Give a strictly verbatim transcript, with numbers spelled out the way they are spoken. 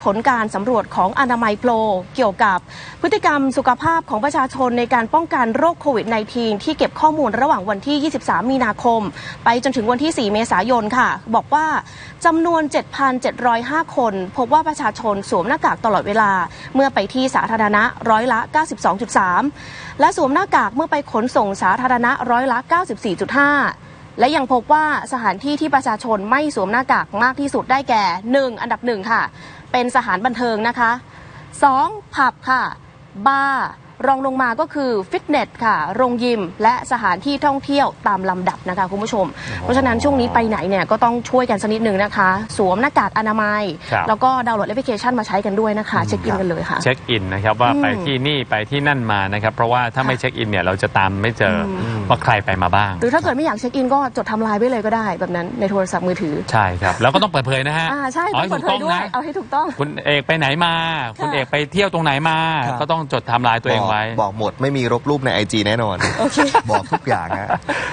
ผลการสำรวจของอนามัยโพลเกี่ยวกับพฤติกรรมสุขภาพของประชาชนในการป้องกันโรคโควิด สิบเก้า ที่เก็บข้อมูลระหว่างวันที่ ยี่สิบสาม มีนาคมไปจนถึงวันที่ สี่ เมษายนค่ะบอกว่าจำนวน เจ็ดพันเจ็ดร้อยห้า คนพบว่าประชาชนสวมหน้ากากตลอดเวลาเมื่อไปที่สาธารณะร้อยละ เก้าสิบสองจุดสาม และสวมหน้ากากเมื่อไปขนส่งสาธารณะร้อยละ เก้าสิบสี่จุดห้า และยังพบว่าสถานที่ที่ประชาชนไม่สวมหน้ากากมากที่สุดได้แก่ หนึ่ง อันดับหนึ่งค่ะเป็นสถานบันเทิงนะคะสองผับค่ะบาร์รองลงมาก็คือฟิตเนสค่ะโรงยิมและสถานที่ท่องเที่ยวตามลำดับนะคะคุณผู้ชมเพราะฉะนั้นช่วงนี้ไปไหนเนี่ยก็ต้องช่วยกันสักนิดนึงนะคะสวมหน้ากากอนามัยแล้วก็ดาวน์โหลดแอปพลิเคชันมาใช้กันด้วยนะคะเช็คอินกันเลยค่ะเช็คอินนะครับว่าไปที่นี่ไปที่นั่นมานะครับเพราะว่าถ้าไม่เช็คอินเนี่ยเราจะตามไม่เจอว่าใครไปมาบ้างหรือถ้าเกิดไม่อยากเช็คอินก็จดทำลายไว้เลยก็ได้แบบนั้นในโทรศัพท์มือถือใช่ครับแล้วก็ต้องเปิดเผยนะฮะอ่าใช่ต้องเปิดเผยด้วยเอาให้ถูกต้องคุณเอกไปไหนมาคุณเอกไปเที่ยวตรงไหนมาก็ต้องจดทำลายตัวเองไว้บอกหมดไม่มีรบรูปใน ไอ จี แน่นอนบอกทุกอย่างฮะ